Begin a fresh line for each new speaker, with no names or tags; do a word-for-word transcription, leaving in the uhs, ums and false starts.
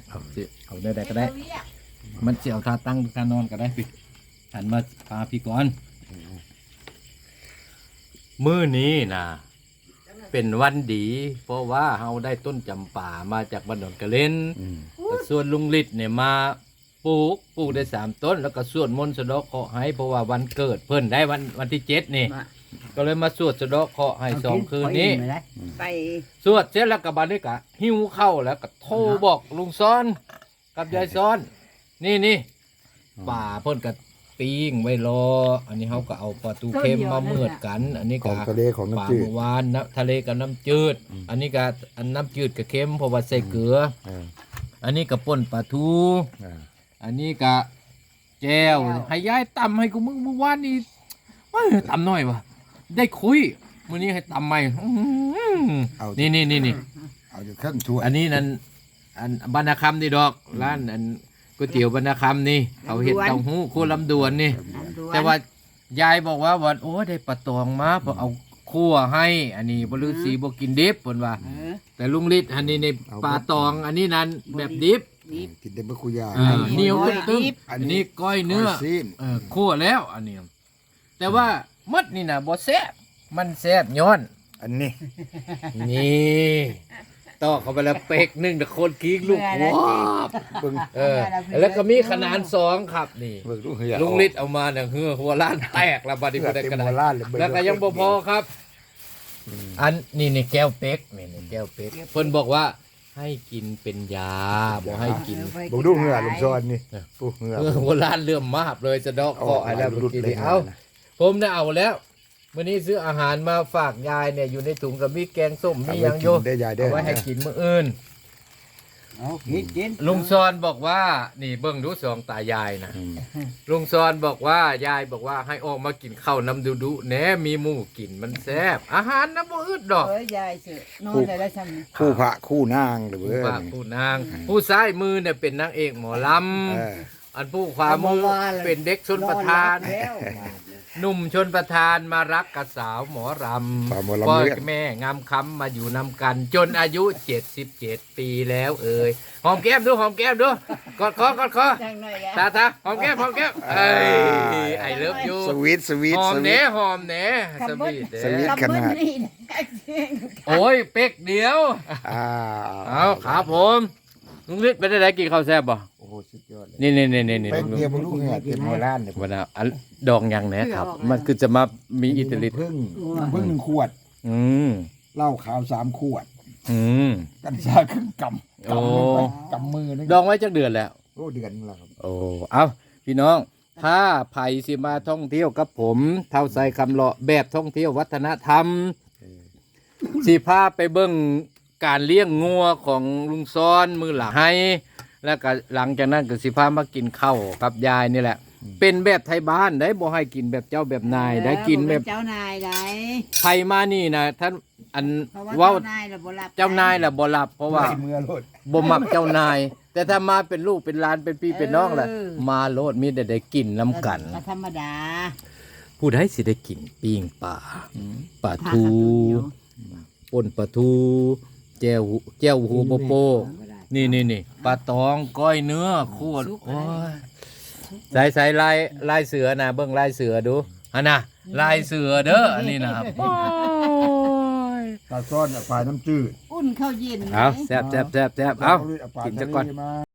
เอาสิเอาได้ได้ก็ได้มันเสียวทาตั้งทานอนก็ได้พี่หันมาพาพี่ก่อนมื้อนี้นะเป็นวันดี เพราะว่าเฮาได้ต้นจำป่ามาจากบ้านดอนกระเล่นส่วนลุงฤทธิ์เนี่ยมาปลูกปลูกได้สามต้นแล้วก็สวดมนต์สะเดาะเคราะห์ให้เพราะว่าวันเกิดเพิ่นได้วันวันที่เจ็ดนี่ก็เลยมาสวดสะเดาะเคราะห์ให้สองคืนนี้
ไป
สวดเสร็จแล้วก็บัดนี้ก็หิ้วเข้าแล้วก็โทรบอกลุงซ้อนกับยายซ้อนนี่นี่ป่าเพิ่นก็ปิ้งไว้รออันนี้เขาก็เอาปลาตูเค็มมาเมือดกันอันนี้ก็
ทะเลของน้ำจืด
ป่าเมื่อวานนะทะเลกับน้ำจืดอันนี้ก็อันน้ำจืดกับเค็มเพราะว่าใส่เกลืออันนี้ก็ป่นปลาทูอันนี้ก็แก้วให้ยายตำให้กูมึงเมื่อวานนี้ตำหน่อยวะได้คุยมื้อนี้ให้ตำใหม่นี่นี่นี่นี่
เอาอยู่เครื่องถ้วย
อันนี้นั่นอันบรรณคำนี่ดอกร้านอันก๋วยเตี๋ยวบรรณคำนี่เขาเห็ดเต้าหู้คู่ลำดวนนี่แต่ว่ายายบอกว่าวันโอ้ได้ปลาตองมาเพราะเอาคั่วให้อันนี้บริสีบกินดิบเพิ่นว่าแต่ลุงฤทธิ์อันนี้ในปลาตองอันนี้นั้นแบบดิบ
กินได้บ่คุยา
เหนียวตึ้งอันนี้ก้อยเนื้อเออคั่วแล้วอันนี้แต่ว่ามัดนี่นะบ่แซ่บมันแซ่บย้อน
อันนี้
นี่ต่อเข้าไปแล้วเป็กหนึ่งแต่คนกิ้งลูกว้าบเออแล้วก็มีขนาดสองครับนี่ลุงฤทธิ์เอามาเนี่ยเฮือหัวล้านแตกแล้วบัดนี้บ่ได้กระดาษแล้วก็ยังบ่พอครับอันนี่นี่แก้วเป็กนี่นี่แก้วเป็กเพิ่นบอกว่าให้กินเป็นยาบ่ให้กิน
บ่ดูเหงื่อลุงซ้อนนี่ปุ๊เหงื่อ
หัวล้านเลื่อมมาบเลยจะดอกเคาะอะไรแล้วเมื่อกี้นี่เอ้าผมได้เอาแล้ววันนี้ซื้ออาหารมาฝากยายเนี่ยอยู่ในถุงกับมีแกงส้มมียังโยเอาไว้ให้กินมื้ออื่นลุงซอนบอกว่านี่เบิ่งดูสองตายายนะลุงซอนบอกว่ายายบอกว่าให้ออกมากินข้าวน้ำดุดุแหนมีหมูกินมันแซ่บอาหารน้ำบ่อึดดอก
เอ้ยยายสินอนได้แล้วซ้ำ
คู่พระคู่นางหรือ
คู่พระคู่นางผู้ซ้ายมือเนี่ยเป็นนางเอกหมอลำอันผู้ขวามือเป็นเด็กชนประทานหนุ่มชนประทานมารักกับสาวหมอรำพ่อแม่งามคำมาอยู่นำกันจนอายุเจ็ดสิบเจ็ดปีแล้วเอ่ยหอมแก้มดูหอมแก้มดูกอดคอกอดคอตาตาหอมแก้มหอมแก้มเอ้ยไอเลิฟยู
สวีทสวีท
หอมเน่หอมเน่สวีท
สวีทขนาด
โอ้ยเป๊กเดียวเอาครับผมลุงฤทธิ์ไปได้ไหนกินข้าวแซ่บบ่
โอ้โหสุดยอดเลย
นี่นี่นี่นี่
นี่เป็นเดียวลูกเหงื่อเต็มหัวล้านเลย
วันน่ะดองยังแหนครับมันคือจะมามีอิตาลี
พึ่งพึ่งหนึ่งขวด
อืม
เหล้าขาวสามขวด
อืม
กัญชาครึ่งกำกำกำมือนึง
ดองไว้จักเดือนแล้ว
โอ้เดือนแล้วครับ
โอ้เอาพี่น้องถ้าไผ่สิมาท่องเที่ยวกับผมเท่าใส่คำเลาะแบบท่องเที่ยววัฒนธรรมสิพาไปเบิ่งการเลี้ยงงัวของลุงซ้อนมือหลังให้แล้วก็หลังจากนั้นก็สิพามากินข้าวกับยายนี่แหละเป็นแบบไทยบ้านได้บ่ให้กินแบบเจ้าแบบนายได้กินแบบ
เจ้านายได้
ไผมานี่นะท่านอันว่าเจ้านายล่ะบ่รับเพราะว่าบ่มักเจ้านายแต่ถ้ามาเป็นลูกเป็นหลานเป็นพี่เป็นน้องล่ะมาโลดมีแต่ได้กินน้ำกัน
ธรรมดา
ผู้ใดสิได้กินปิ้งปลาปลาทูป่นปลาทูแจ่วแจ่วหูโปโปนี่นี่นี่ปลาตองก้อยเนื้อโคตรโอ้ยใส่ใส่ลายลายเสือนะเบิ้งลายเสือดูอันน่ะลายเสือเด้ออันนี้นะครับ
ปลาซ้อนปลาน้ำจืด
อุ่นข้าวเย็น
เอาแซ่บแซ่บแซ่บแซ่บเอากินจะก่อน